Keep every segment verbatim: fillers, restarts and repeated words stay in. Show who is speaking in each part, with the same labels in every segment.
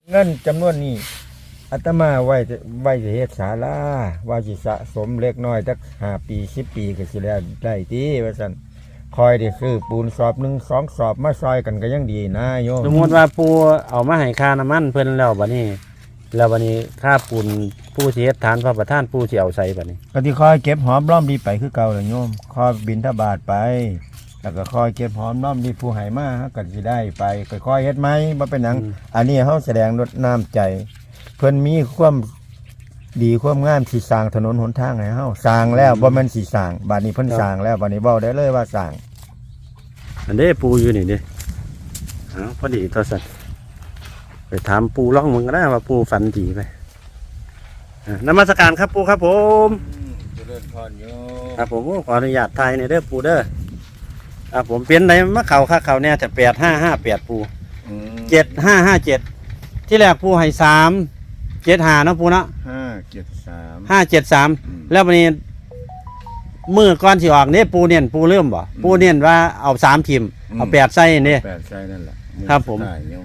Speaker 1: เงินจำนวนนี้อาตมาไว้ไว้จะเฮ็ดศาลาว่าสิสะสมเล็กน้อยสักห้าปีสิบปีก็สิแล้วได้ติว่าซั่นคอยได้ซื้อปูนสอบหนึ่งสองสอบมาซอยกันก็ยังดีนะโยม
Speaker 2: สมมติว่าปูเอามาให้ค่าน้ำมันเพิ่นแล้วบัดนี้แล้วบัดนี้ค่าปูนปูสิเฮ็ดฐานพระประธานปูสิเอาใส่บัดนี้
Speaker 1: ก็ที่คอยเก็บหอมรอมดีไปคือเก่าแหละโยมคอยบิณฑบาตไปแล้วก็คอยเก็บหอมรอมดีผู้ให้มาเฮาก็สิได้ไปค่อยๆเฮ็ดไหมบ่เป็นหยังอันนี้เฮาแสดงลดน้ำใจเพิ่นมีความดีความงามสิสร้างถนนหนทางให้เฮาสร้างแล้วบ่แม่นสิสร้างบัดนี้เพิ่นสร้างแล้วบัดนี้เว้าได้เลยว่าสร้าง
Speaker 2: อันนี้ปูอยู่นี่เด้อ้าวพอดีตัวสัตว์ไปถามปูร้องมึงก็ได้ว่าปูฝันดีไปนมัสการครับปูครับผม
Speaker 1: เจริญพรโยม
Speaker 2: ครับผมขออนุญาตถ่ายในเด้อปูเด้อครับผมเปลี่ยนไหนมะเข่าข้าเข่าเนี่ยจะแปดห้าห้าแปดปูเจ็ดห้าห้าเจ็ดที่แรกปูให้สามเจ็ดห้าเนาะปูเนาะ
Speaker 1: ห้าเจ็ดสาม
Speaker 2: ห้าเจ็ดสามแล้ววันนี้มือก้อนสิออกเนี่ยปูเนียนปูเริ่มบ่ปูเนียนว่าเอาสามทีมเอาแปดไส้เนี่ย
Speaker 1: แปดไส้นั่นแหละ
Speaker 2: ครับผม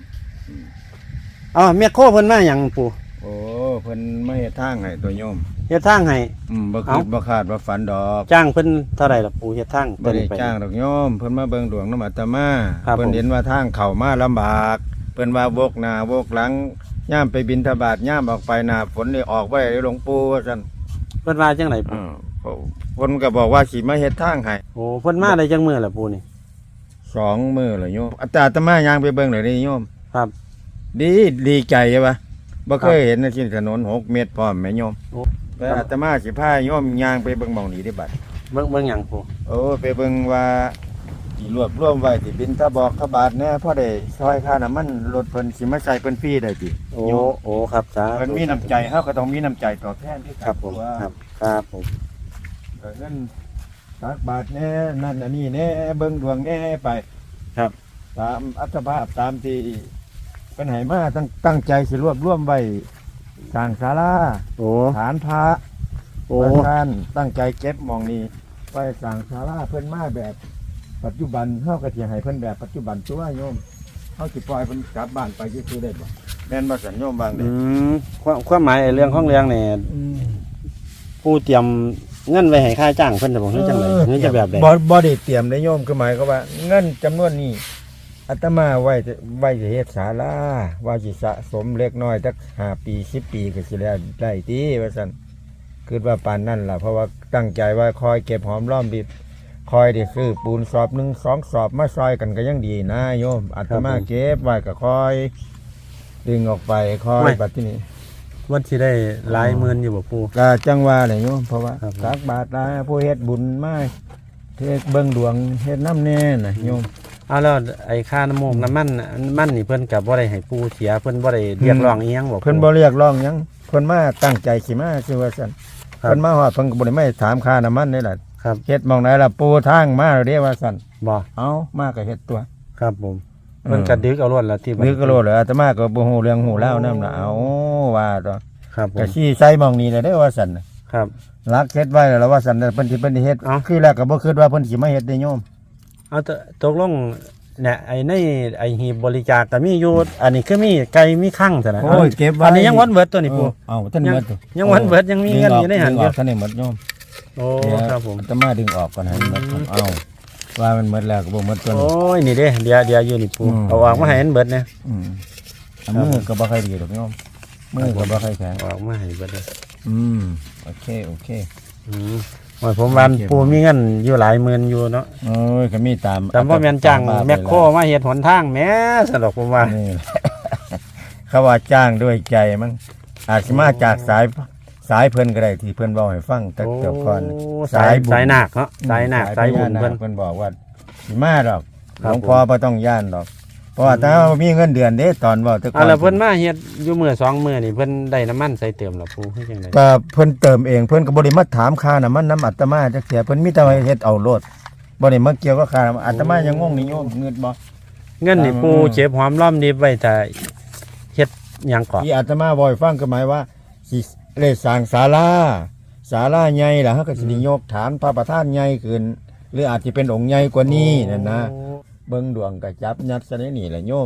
Speaker 2: อ๋อเมียโคเพิ่นมาอย่างปู
Speaker 1: โอ้เพิ่นไม่เฮ็ดทางให้ตัวโยม
Speaker 2: เฮ็ดทางให้
Speaker 1: อืมบ่คิดบ่คาดบ่ฝันดอก
Speaker 2: จ้างเพิ่นเท่าไหร่ล่ะปูเฮ็ดทาง
Speaker 1: บ่ได้จ้างดอกโยมเพิ่นมาเบิ่งดวงนำอาตมาเพิ่นเห็นว่าทางเข้ามาลำบากเพิ่นว่าวกหน้าวกหลังย่ามไปบิณฑบาตย่ามออกไปหน้าฝนนี่ออกบ่ได้หลวงปู่ว่าซั่น
Speaker 2: เพิ่นว่าจังไดปู
Speaker 1: เพิ่นก็บอกว่าสิมาเฮ็ดทางให้
Speaker 2: โอ้เพิ่นมาได้จังมื้อล่ะปูนี่
Speaker 1: สองมื้อแล้วโยมอาตมาย่างไปเบิ่งเลยนี่โยม
Speaker 2: ครับ
Speaker 1: ดีดีใจใช่ปะบ่เคยเห็นในที่ถนนหกเมตรพร้อมแม่โยมแต่อาตมาสิพาโยมย่างไปเบิ่งหม่องนี้ได้บัด
Speaker 2: เบิ่งเบิ่งหยังปู
Speaker 1: โอ้ไปเบิ่งว่าสิรวบรวมไว้ที่บิณฑบาตขบาทแน่พอได้ซอยค่าน้ำมันรถเพิ่นสิมาใส่เพิ่นฟรีได้ติ
Speaker 2: โอ้โอ้ครับจ้า
Speaker 1: เพิ่นมีน้ำใจเฮาก็ต้องมีน้ำใจตอบแทนที่
Speaker 2: ครับผมครับครับผม
Speaker 1: ก็เงินตักบาทแน่นั่นอันนี้แน่เบิ่งดวงแน่ไป
Speaker 2: ครับ
Speaker 1: ตามอัตภาพตามที่เป็นไหมาตั้งตั้งใจสิรวบรวมไว้สร้างศาลาฐานพระโอ้ท่านตั้งใจเก็บมองนี้ไว้สร้างศาลาเพิ่นมาแบบปัจจุบันเฮาก็สิให้เพิ่นแบบปัจจุบันตัวโยมเฮาสิปล่อยเพิ่นกลับบ้านไปซื่อๆได้บ่แม่นบ่สัญโยมบางเด้
Speaker 2: อืมความความหมายเรื่องของเรื่องนี่ผู้เตรียมเงินไว้ให้ค่าจ้างเพิ่นจะบอกเฮ็ดจังได๋เงินจะแบบใด
Speaker 1: บ่บ่ได้เตรียมได้โยมคือหมายก็ว่าเงินจำนวนนี้อาตมาไว้ไว้จะเฮ็ดศาลาว่าสิสะสมเล็กน้อยสักห้าปีสิบปีก็สิแล้วได้ติว่าซั่นคิดว่าปานนั้นล่ะเพราะว่าตั้งใจว่าคอยเก็บหอมรอมริบคอยได้ซื้อปูนสอบหนึ่งสองสอบมาซอยกันก็ยังดีนะโยมอาตมาเก็บไว้ก็คอยดึงออกไปคอยบัดที่นี้
Speaker 2: วันที่ได้หลายหมื่นอยู่บ่ปู่
Speaker 1: ก็จังว่าแหละโยมเพราะว่าตักบาตรได้ผู้เฮ็ดบุญมาเฮ็ดเบิ่งดวงเฮ็ดน้ำแน่น่ะโยม
Speaker 2: เอาแล้วไอ้ค่าน้ำมันน้ำมันมันนี่เพิ่นก็บ่ได้ให้ปู่เสียเพิ่นบ่ได้เรียกร้องอีหยังบ่
Speaker 1: เพิ่นบ่เรียกร้องหยังเพิ่นมาตั้งใจสิมาคือว่าซั่นเพิ่นมาฮอดเพิ่นก็บ่ได้มาถามค่าน้ำมันนี่ล่ะ
Speaker 2: ครับ
Speaker 1: เฮ็ดหม่องไหนล่ะปูทางมาเด้ว่าซั่น
Speaker 2: บ่
Speaker 1: เอามาก็เฮ็ดตัว
Speaker 2: ครับผมเพิ่นก็ดึกเอาล้วนล่ะที่
Speaker 1: ดึกเอาล้วนแล้วอาตมาก็บ่ฮู้เรื่องฮู้แล้วนำน่ะเอาว่าตัว
Speaker 2: ครับผม
Speaker 1: ก็ชี้ใส่หม่องนี้แหละเด้อว่าซั่น
Speaker 2: ครับ
Speaker 1: รักเฮ็ดไว้แล้วว่าซั่นเพิ่นสิเพิ่นสิเฮ็ดคือแรกก็บ่คิดว่าเพิ่นสิมาเฮ็ดได้โยม
Speaker 2: เอาตกลงเนี่ยไอ้ในไอ้หีบบริจาคก็มีอยู่อันนี้คือมีไก่มีคั่งซั่นน่ะ
Speaker 1: โอ้ยเก็บไว้
Speaker 2: อันนี้ยังวันเบิดตัวนี้ปู่
Speaker 1: เอ้าท่านเบิด
Speaker 2: ยังวันเบิดยังมีเงินอยู่ในหันอยู่
Speaker 1: ท่านนี่หมดโยม
Speaker 2: โอ้ครับผม
Speaker 1: อาตมาดึงออกก่อนให้มันหมดเอ้าว่ามันหมดแล้วก็บ่หมดตัว
Speaker 2: โอ้ยนี่เด้เดี๋ยวเดี๋ยวอยู่นี่ปู่เอาออกมาให้มันเบิดเนี่ย
Speaker 1: อืมมือก็บ่ค่อยดีดอกโยมมือก็บ่ค่อยแข็ง
Speaker 2: ออกมาให้เบิดเลย
Speaker 1: อืมโอเคโอเค
Speaker 2: อืมว่าผมวันปู่มีเงินอยู่หลายหมื่นอยู่เนาะ
Speaker 1: โอ้ยก็มีตาม
Speaker 2: แต่ว่าแม่นจ้างแมคโครมาเฮ็ดหนทางแหมสนุกผมว่า
Speaker 1: นี่เขาว่าจ้างด้วยใจมั้งอาจสิมาจากสายสายเพิ่นก็ได้ที่เพิ่นเว้าให้ฟังแต่เจ้าก่อน
Speaker 2: สายสายหนักเนาะสายหนักสายบุญเพิ่น
Speaker 1: เพิ่นบอกว่าสิมาดอกหลวงพ่อบ่ต้องย่านดอกเพราะว่าถ้ามีเงินเดือนเด้ตอนเว้าแต่ก่อน
Speaker 2: อ่ะแล้วเพิ่นมาเฮ็ดอยู่มื้อสองมื้อนี่เพิ่นได้น้ำมันใส่เติมล่ะปู่คือจังได๋
Speaker 1: ก็เพิ่นเติมเองเพิ่นก็บ่ได้มาถามค่าน้ำมันน้ำอาตมาจักเที่ยเพิ่นมีแต่ว่าเฮ็ดเอาโลดบ่ได้มาเกี่ยวกับค่าอาตมายังงงนี่โยมเงินบ่
Speaker 2: เงินนี่ปู่เก็บหอมรอมริบไว้ถ้าเฮ็ดหยังก่อ
Speaker 1: ที่อาตมาบ่ให้ฟังก็หมายว่าสิได้สร้างศาลาศาลาใหญ่ล่ะเฮาก็สิยกฐานพระประธานใหญ่ขึ้นหรืออาจสิเป็นองค์ใหญ่กว่านี้นั่นนะเบิ่งดวงก็จับยัดซะในนี่แหละโยม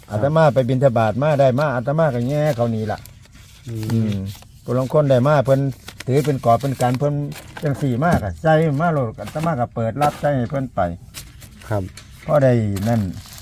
Speaker 1: อาตมาไปบิณฑบาตมาได้มาอาตมาก็แง่เขานี่ล่ะ
Speaker 2: อื
Speaker 1: อื
Speaker 2: ม
Speaker 1: มผู้ลางคนได้มาเพิ่นถือเป็นกอบเป็นการเพิ่นจังสี่มากอ่ะใจมาโลดอาตมาก็เปิดรับใจให้เพิ่นไป
Speaker 2: ครับ
Speaker 1: พอได้นั่น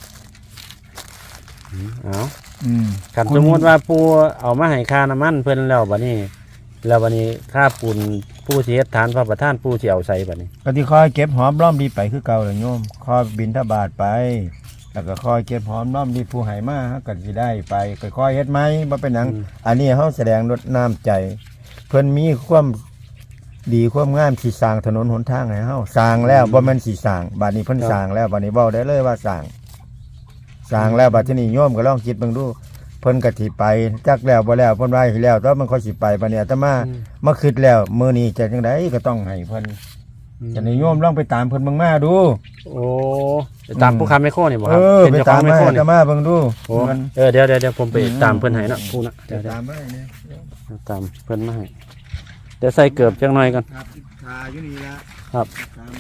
Speaker 2: อืมเอา
Speaker 1: อืม
Speaker 2: คันสมมุติว่าปูเอามาให้ค่าน้ำมันเพิ่นแล้วบัดนี้ แล้วบัดนี้ค่าปูนผู้สิเฮ็ดฐานพระประธานผู้สิเอาใส่บัดนี้
Speaker 1: ก็ที่คอยเก็บหอมรอมดีไปคือเก่าเลยโยมคอยบินทบาทไป แล้วก็คอยเก็บหอมรอมดีผู้ให้มาก็สิได้ไปก็คอยเฮ็ดไหมบ่เป็นหยังอันนี้เฮาแสดงลดน้ำใจ เพิ่นมีความดีความงามสิสร้างถนนหนทางให้เฮาสร้างแล้วบ่แม่นสิสร้างบัดนี้เพิ่นสร้างแล้วบัดนี้เว้าได้เลยว่าสร้างสร้างแล้วบัดนี้โยมก็ลองคิดเบิ่งดูเพิ่นก็สิไปจักแล้วบ่แล้วเพิ่นว่าสิแล้วแต่มันค่อยสิไปบัดนี้อาตมามาคิดแล้วมื้อนี้จะจังไดก็ต้องให้เพิ่นจะนิยมลองไปตามเพิ่นเบิ่งมาดู
Speaker 2: โอ้ไปตามผู้ค้าไมโครนี่บ่ค
Speaker 1: เอ
Speaker 2: รับ
Speaker 1: อ
Speaker 2: เป็น
Speaker 1: ไป
Speaker 2: เจ้าข
Speaker 1: ตา
Speaker 2: อ
Speaker 1: ม
Speaker 2: งไม
Speaker 1: มา
Speaker 2: โคร
Speaker 1: อา
Speaker 2: นี่
Speaker 1: ตมาเบิ่งดู
Speaker 2: โอ้
Speaker 1: มัน
Speaker 2: เออเดี๋ยวเดี๋ยวเดี๋ยวผมไป
Speaker 1: อืม
Speaker 2: ตามเพิ่นให้เนาะผู้นะเดี๋ยวเดี๋ยว
Speaker 1: ตามมาเนี่ย
Speaker 2: ตามเพิ่นมาให้เดี๋ยวใส่เกือบจังหน่อยก่อน
Speaker 1: ครับทาอยู่นี่ละ
Speaker 2: ครับ
Speaker 1: ตามมา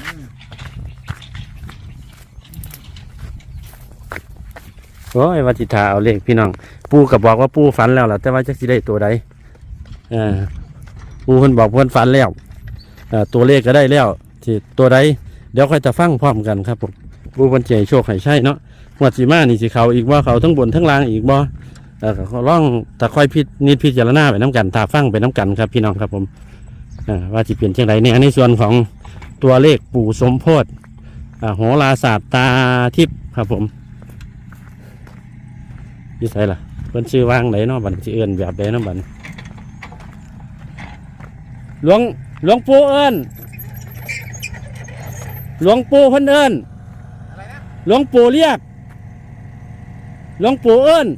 Speaker 2: โอ้ยว่าจิตาเอาเลขพี่น้อง ปูก็บอกว่าปูฝันแล้วล่ะแต่ว่าจักสิได้ตัวใดเออปูเพิ่นบอกเพิ่นฝันแล้วเอ่อตัวเลขก็ได้แล้วที่ตัวใดเดี๋ยวค่อยจะฟังพร้อมกันครับผมปูเพิ่นสิให้โชคให้ใช่เนาะงวดสิมานี่สิเขาอีกบ่เขาทั้งบนทั้งล่างอีกบ่เออก็ลองตะค่อยพินิจพิจารณาไปน้กันตาฟังไปน้กันครับพี่น้องครับผมเอ่อว่าสิเปลี่ยนจังไดเนี่ยในส่วนของตัวเลขปู่สมโพธิอ่าโหราศาสตร์ตาทิพย์ครับผมยี่ไสล่ะเพิ่นชื่อว่างไหนเนาะบัดสิเอิ้นแบบใดเนาะบัดหลวงหลวงปู่เอิ้นหลวงปู่เพิ่นเอิ้นหลวงปู่เรียกหลวงปู่เอิ้น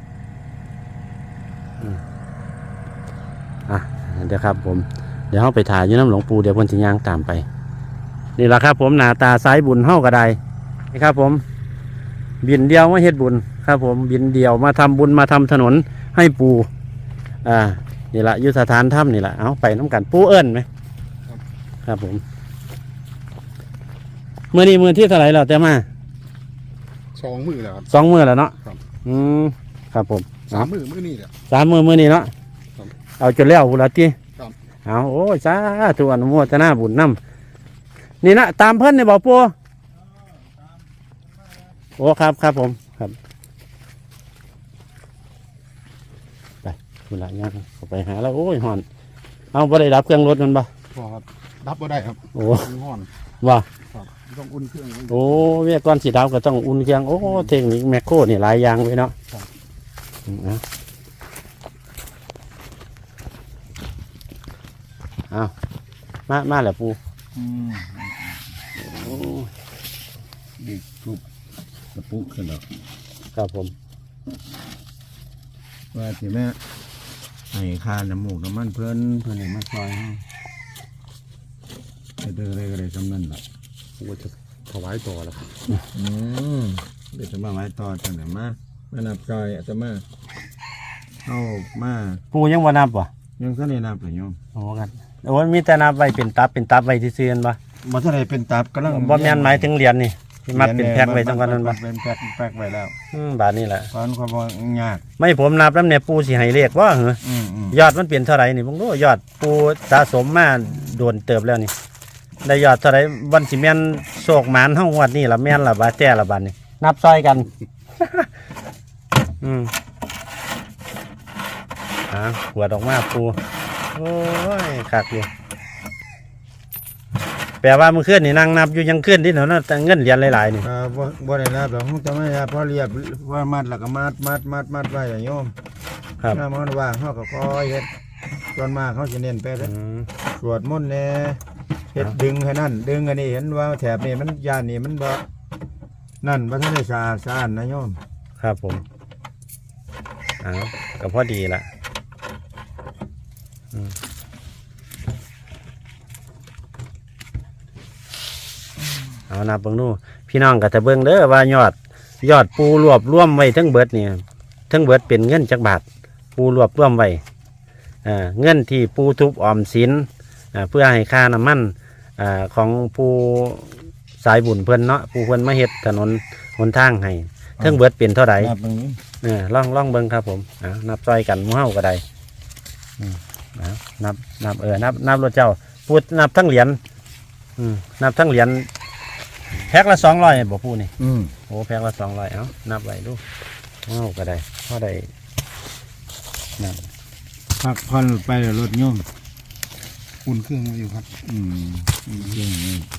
Speaker 2: อืมอ่ะเดี๋ยวครับผมเดี๋ยวเฮาไปถ่ายอยู่น้ำหลวงปู่เดี๋ยวเพิ่นสิย่างตามไปนี่ล่ะครับผมหน้าตาสายบุญเฮาก็ได้นี่ครับผมบินเดียวมาเฮ็ดบุญครับผมบินเดียวมาทำบุญมาทำถนนให้ปู่อ่านี่ละอยุทธฐานถ้ำนี่ละเอาไปน้ำกันปู่เอิ้นไหมครับผมเมื่อนี้มือที่เท่าไหร่แล้วแต่มา
Speaker 3: สองมือแล้วครับ
Speaker 2: สองมือแล้วเนาะ
Speaker 3: ครับ
Speaker 2: อืมครับผม
Speaker 3: สามมือมือนี่แหละ
Speaker 2: สามมือมือนี้เนาะ
Speaker 3: ครับ
Speaker 2: เอาจนแล้วบุญละตี
Speaker 3: ครับ
Speaker 2: เอาโอ้ยสาธุอนุโมทนาบุญนำนี่นะตามเพิ่นนี่บอกปู่โอ้ครับครับผมครับไปบุญละย่างเข้าไปหาแล้วโอ้ยหอนเอาบ่ได้ดับเครื่องรถมันบ่
Speaker 3: พอครับรับบ่ได้ครับ
Speaker 2: โอ้
Speaker 3: มันห้อน
Speaker 2: ว่า
Speaker 3: ครับต้องอุ่นเครื่องไว้
Speaker 2: โอ้เวียก้อนสีดาวก็ต้องอุ่นเครื่องโอ้เทคนิคแมคโครนี่หลายอย่างไว้เนาะ
Speaker 3: ครับ
Speaker 2: อืมเอาเอามามาแล้วปู
Speaker 1: อืม
Speaker 2: โอ้
Speaker 1: ดีทุบกระปุกขึ้นแล้ว
Speaker 2: ครับผม
Speaker 1: ว่าสิแม่ให้ค่าน้ำมูกน้ำมันเพิ่นเพิ่นให้มาซอยเฮาเฮ็ดได้ก็ได้สำนั้นล่ะ
Speaker 3: ว่าจะถวายต่อแล้วครับ
Speaker 1: อืมเดี๋ยวจะมาไว้ต่อจังไหนมามานับซอยอาตมาเอามา
Speaker 2: ปูยังว่านับวะ
Speaker 1: ยังก็ได้นับเลยโยม
Speaker 2: โอ้กันโอ้ยมีแต่นับไว้เป็นตับเป็นตับไว้ที่ซื้อกันปะ
Speaker 1: มาเท่าไรเป็นตับกำลัง
Speaker 2: บ่แม่นหมายถึงเหรียญนี่ที่มัดเป็นแพ็คไว้จังกันนั่นปะ
Speaker 1: เป็นแพ็คแพ็คไว้แล้ว
Speaker 2: อืมบาทนี่แหละ
Speaker 1: ตอนความยาก
Speaker 2: ไม่ผมนับแล้วเนี่ยปูสิให้เลขว่าเหรอ
Speaker 1: อืมอืม
Speaker 2: ยอดมันเปลี่ยนเท่าไหร่นี่ผมรู้ยอดปูสะสมมาโดนเติบแล้วนี่ได้ยอดเท่าไหร่วันสิแม่นโศกหมานเฮางวดนี่ละแม่นละบาดแต่ละบาดนี่นับซอยกัน อืมอ่าหัวดออกมาปูโอ้ยคักอยู่แปลว่าเมื่อคืนนี่นั่งนับอยู่ยังขึ้นที่เนาะแต่เงินเหรียญหลายๆนี่
Speaker 1: อ่าบ่บ่ได้นับหรอกจะไม่นับเพราะเรียบว่ามัดแล้วก็มัดมัดมัดมัดไว้อย่างโยม
Speaker 2: ครับ
Speaker 1: ถ้ามันว่างเขาก็คอยเฮ็ดส่วนมากเขาจะเน้นไป
Speaker 2: อืม
Speaker 1: สวดมนต์แน่เฮ็ดดึงให้นั่นดึงอันนี้เห็นว่าแถบนี้มันยานนี่มันบ่นั่นบ่ทันได้สะอาดสะอาดนะโยม
Speaker 2: ครับผมอ้าวก็พอดีละอืมเอานับเบิ่งดูพี่น้องก็จะเบิ่งเด้อว่ายอด ยอดปูรวบรวมไว้ทั้งเบิดเนี่ยทั้งเบิดเป็นเงินจักบาท ปูรวบรวมไว้อ่าเงินที่ปูทุบออมสินอ่าเพื่อให้ค่าน้ำมันอ่าของปูสายบุญเพิ่นเนาะปูเพิ่นมาเฮ็ดถนนหนทางให้เทิงเบิดเป็นเท่าไหร่
Speaker 1: นับตรงนี้
Speaker 2: เออล่องล่องเบิ้งครับผมอ่านับซอยกันหมู่เฮาก็ได้อืมอ่านับนับเออนับนับรถเจ้าพูดนับทั้งเหรียญอืมนับทั้งเหรียญแพ็คละสองร้อยบอกพูดนี่
Speaker 1: อืม
Speaker 2: โอ้แพ็คละสองร้อยเอ้านับไว้ดูเฮาก็ได้เฮาได้นับ
Speaker 1: พักผ่อนไปแล้วรถโยม
Speaker 3: อุ่นเครื่องไว้อยู่ครับ
Speaker 1: อืมอืมอืมอืม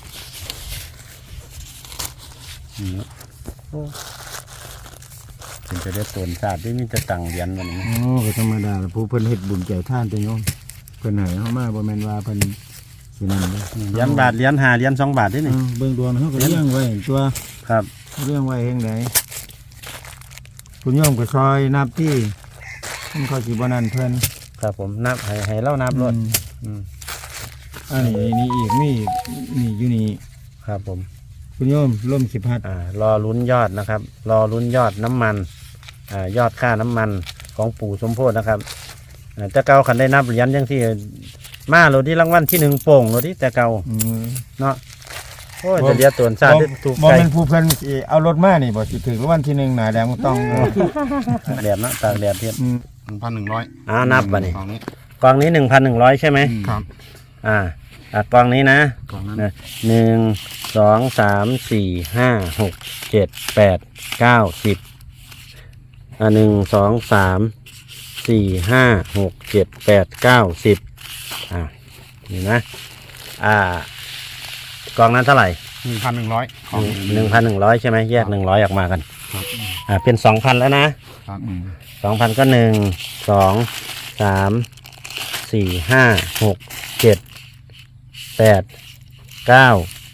Speaker 2: อืมโอ้ถึงจะได้ตนศาสตร์ที่มีจะตังเหรียญวันนี้
Speaker 1: โอ้ก็ธรรมดาล่ะผู้เพิ่นเฮ็ดบุญใจท่านแต่โยมเพิ่นให้เฮามาบ่แม่นว่าเพิ่นสินั่นเด้อ
Speaker 2: เหรียญบาทเหรียญห้าเหรียญสองบาทที่นี่
Speaker 1: เออเบิ่งดวงเฮาก็เลี้ยงไว้ตัว
Speaker 2: ครับ
Speaker 1: เลี้ยงไว้เฮ็ดไดคุณโยมก็ซอยนับที่มันเขาสิบ่นั่นเพิ่น
Speaker 2: ครับผมนับให้ให้เล่านับรถ
Speaker 1: อืม
Speaker 2: อืม
Speaker 1: อันนี้นี่อีกมีอีกนี่อยู่นี่
Speaker 2: ครับผม
Speaker 1: คุณโยมร่มสิพัด
Speaker 2: อ่ารอลุ้นยอดนะครับ รอลุ้นยอดน้ำมันอ่ายอดค่าน้ำมันของปู่สมโพธินะครับอ่าแต่เก่าขันได้นับเหรียญยังที่มาโรที่รางวัลที่หนึ่งโป่งโรที่แต่เก่า
Speaker 1: อืม
Speaker 2: เนาะโอ้ยจะเดียวตัวซาดได้ถูก
Speaker 1: บ่
Speaker 2: ใจ
Speaker 1: เป็นผู้เพิ่นสิเอารถมานี่บ่สิถึงรางวัลที่หนึ่งหน้าแดงต้อง
Speaker 2: แดดเนาะตากแดดเทียบ
Speaker 1: อืม
Speaker 3: หนึ่งพันหนึ่งร้อย
Speaker 2: อ้าวนับบ่นี่
Speaker 3: กล่องนี้
Speaker 2: กองนี้หนึ่งพันหนึ่งร้อยใช่ไหม
Speaker 3: ครับ
Speaker 2: อ่าอ่ากองนี้นะ
Speaker 3: กล่องนั้น
Speaker 2: นะหนึ่งสองสามสี่ห้าหกเจ็ดแปดเก้าสิบอ่าหนึ่งสองสามสี่ห้าหกเจ็ดแปดเก้าสิบอ่านี่นะอ่ากองนั้นเท่าไหร่
Speaker 3: หนึ่งพันหนึ่งร้อย
Speaker 2: หนึ่งพันหนึ่งร้อยใช่ไหมแยกหนึ่งร้อยออกมากัน
Speaker 3: ครับ
Speaker 2: อ่าเป็นสองพันแล้วนะครับ
Speaker 1: อืม
Speaker 2: สองพันก็หนึ่งสองสามสี่ห้าหกเจ็ดแปดเก้า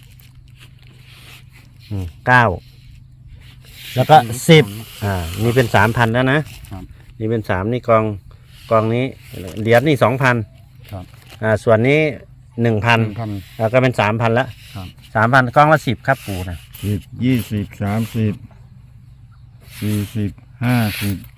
Speaker 2: อืมเก้าแล้วก็สิบอ่านี่เป็นสามพันแล้วนะครับ นี่เป็นสามนี่กองกองนี้เหรียญนี่สองพัน
Speaker 3: ครับ
Speaker 2: อ่าส่วนนี้หนึ่งพัน
Speaker 3: หนึ่งพัน
Speaker 2: แล้วก็เป็นสามพันละ
Speaker 3: ครับ
Speaker 2: สามพันกองละสิบครับปู่นะ
Speaker 1: สิบยี่สิบสามสิบสี่สิบห้าสิบ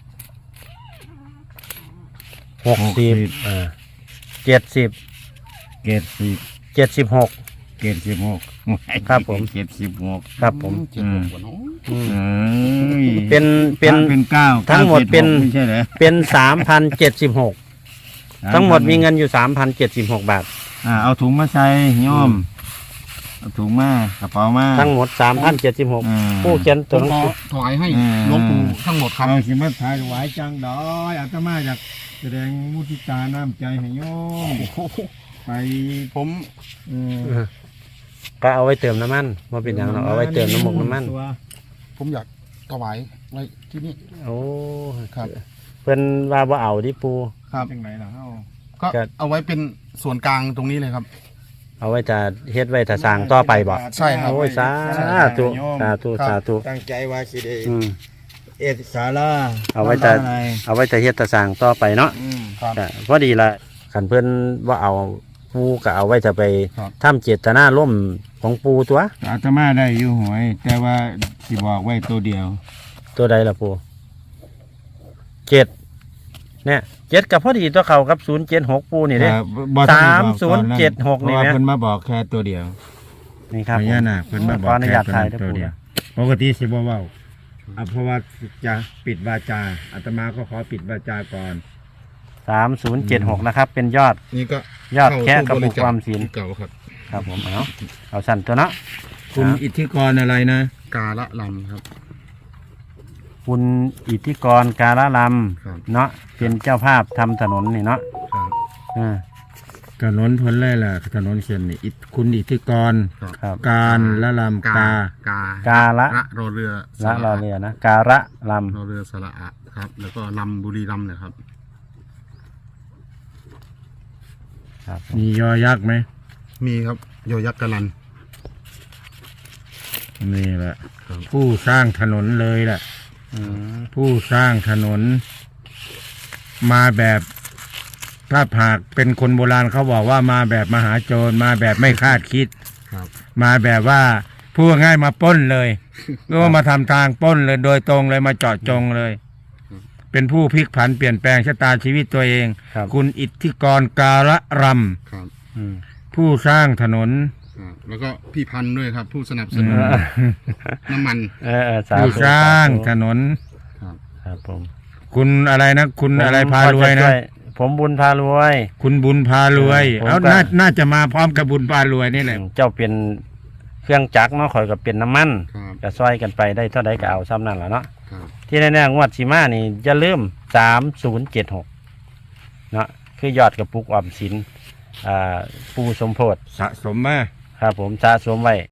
Speaker 2: หกสิบอ่าเจ็ดสิบ
Speaker 1: เจ็ดสิบ
Speaker 2: เจ็ดสิบหก
Speaker 1: เจ็ดสิบหก
Speaker 2: ครับผม
Speaker 1: เจ็ดสิบหก
Speaker 2: ครับผม
Speaker 3: เจ็ดหกกว่าเนอะ
Speaker 2: อืม
Speaker 1: เอ้ย
Speaker 2: เป็นเป็น
Speaker 1: เป็นเก้า
Speaker 2: ทั้งหมดเป็น
Speaker 1: ไม่ใช่เหรอ
Speaker 2: เป็นสามพันเจ็ดสิบหกทั้งหมดมีเงินอยู่สามพันเจ็ดสิบหกบาท
Speaker 1: อ่าเอาถุงมาใส่โยมเอาถุงมากระเป๋ามา
Speaker 2: ทั้งหมดสามพันเจ็ดสิบหก
Speaker 1: อ่า
Speaker 2: ผู้เขียน
Speaker 3: ผ
Speaker 2: ตัวห
Speaker 3: ม
Speaker 2: นัง
Speaker 3: ขอ
Speaker 2: สือ
Speaker 3: ถวายให้
Speaker 1: อืม
Speaker 3: หลวงปู่ทั้งหมดครับ
Speaker 1: เอาสิมาถ่ายถวายจังดอยอาตมาอยากแสดงมุทิตาน้ำใจให้โยมไป
Speaker 3: ผม
Speaker 1: เออ
Speaker 2: ก็เอาไว้เติมน้ำมันมาเป็นอย่างเราเอาไว้เติมน้ำมันน้ำมัน
Speaker 1: ตัว
Speaker 3: ผมอยากถวายไว้ที่นี่
Speaker 2: โอ้
Speaker 3: ครับ
Speaker 2: เพิ่นว่าบ่เอาดิปู
Speaker 3: ครับ
Speaker 1: จังไหนล่ะเฮา
Speaker 3: ก็
Speaker 2: ครับ
Speaker 3: เอาไว้เป็นส่วนกลางตรงนี้เลยครับ
Speaker 2: เอาไว้จะเฮ็ดไว้ถ้าสร้างต่อไปบ่
Speaker 3: ใช่ครับ
Speaker 2: โอ้ยสาธุสาธุสาธุ
Speaker 1: ตั้งใจว่าสิได้
Speaker 2: อืม
Speaker 1: เอ็ดศาลา
Speaker 2: เอาไว้จะ
Speaker 1: ทำอะไร
Speaker 2: เอาไว้จะเฮ็ดถ้าสร้างต่อไปเนาะ
Speaker 1: อืม
Speaker 3: ครับ
Speaker 2: ก็พอดีละขันเพิ่นว่าเอาปูก็เอาไว้จะไป
Speaker 3: ครับ
Speaker 2: ทำเจตนาร่วมของปูตัว
Speaker 1: อาตมาได้อยู่หวย แต่ว่าสิบอกไว้ตัวเดียว
Speaker 2: ตัวใดล่ะปูเจ็ดเนี่ยเจ็ดกับพอดีตัวเขากับศูนย์เจ็ดหกปูนี่เด้
Speaker 1: อ่บ่ทันได้บอกตอนนั้น
Speaker 2: สามศูนย์เจ็ดหกนี่
Speaker 1: เพราะว่า
Speaker 2: ไหม
Speaker 1: เพิ่นมาบอกแค่ตัวเดียว
Speaker 2: นี่ครับ
Speaker 1: พญานาคเพิ่นมาบอก
Speaker 2: ขออนุ
Speaker 1: แค่
Speaker 2: ญาต
Speaker 1: ตัว
Speaker 2: ถ่าย
Speaker 1: นั้น
Speaker 2: นะ
Speaker 1: ตัว
Speaker 2: ปู
Speaker 1: เดียว
Speaker 2: นะ
Speaker 1: ปกติสิบ่เว้าอ่ะเพราะว่าจะปิดวาจาอาตมาก็ขอปิดวาจาก่อน
Speaker 2: สามศูนย์เจ็ดหกนะครับ เป็นยอด
Speaker 3: นี่ก็
Speaker 2: ยอดแค่กระปุก
Speaker 3: เข้
Speaker 2: ความศีล
Speaker 3: เก่าครับ
Speaker 2: ครับผมเอาเอาสั่นตัวเนาะ
Speaker 1: คุณ
Speaker 2: อ่ะ
Speaker 1: อิทธิกรอะไรนะ
Speaker 3: กาละลำครับ
Speaker 2: คุณอิทธิกรการะล
Speaker 3: ครับ
Speaker 2: ำเนาะเป็นเจ้าภาพทำถนนนี่เนาะ
Speaker 3: ครับ
Speaker 2: อ่า
Speaker 1: ถนนพ้นแร่ล่ะถนนเขียนนี่อิทคุณอิทธิกร
Speaker 3: ครับ
Speaker 2: ครับ
Speaker 1: การละลำ
Speaker 3: กาก
Speaker 1: า
Speaker 3: กา
Speaker 2: การะ
Speaker 3: ระรอเรือส
Speaker 2: ละ
Speaker 3: ระ
Speaker 2: รอเรือนะการะล
Speaker 3: รอเรือสระอะครับ แล้วก็ลำบุรีลำนะครับ
Speaker 2: ำครับผม
Speaker 1: มียอยักษ์ไหม
Speaker 3: มีครับโยยักษ์กะลัน
Speaker 1: นี่แหละ
Speaker 3: ครับ
Speaker 1: ผู้สร้างถนนเลยแหละ
Speaker 2: อืม
Speaker 1: ผู้สร้างถนน มาแบบถ้าหากเป็นคนโบราณเขาบอกว่ามาแบบมหาโจรมาแบบไม่คาดคิด
Speaker 3: ครับ
Speaker 1: มาแบบว่าพูดง่ายมาปล้นเลยหรือว่ามาทำทางปล้นเลยโดยตรงเลยมาเจาะจงเลย เป็นผู้พลิกผันเปลี่ยนแปลงชะตาชีวิตตัวเอง
Speaker 2: ครับ
Speaker 1: คุณอิทธิกรการะร
Speaker 3: ครับ
Speaker 2: อืม
Speaker 1: ำผู้สร้างถนน
Speaker 3: ครับแล้วก็พี่พันธุ์ด้วยครับ ผู้สนับสนุนน้ำมัน
Speaker 2: เออเออสา
Speaker 1: ผู้
Speaker 2: ธุ
Speaker 1: สร้างถนน
Speaker 3: ครับ
Speaker 2: ครับผม
Speaker 1: คุณอะไรนะ คุณ
Speaker 2: ผม
Speaker 1: อะไรพารวยนะ
Speaker 2: ก็จช่ผมบุญพารวย
Speaker 1: คุณบุญพารวย
Speaker 2: ผม
Speaker 1: เอา
Speaker 2: ก็
Speaker 1: น่าน่าจะมาพร้อมกับบุญพารวยนี่แหละ
Speaker 2: เจ้าเป็นเครื่องจักรเนาะข่อยก็เป็นน้ำมัน
Speaker 3: ครับ
Speaker 2: ก็ซอยกันไปได้เท่าใดก็เอาซ้ำนั่นแหละเนาะ
Speaker 3: ครับ
Speaker 2: ที่แน่ๆงวดสีมานี่อย่าลืมสามศูนย์เจ็ดหกเนาะคือยอดกระปุกออมสินอ่าปูสมโพธิ
Speaker 1: สะสมมา
Speaker 2: ครับผมสะสมไว้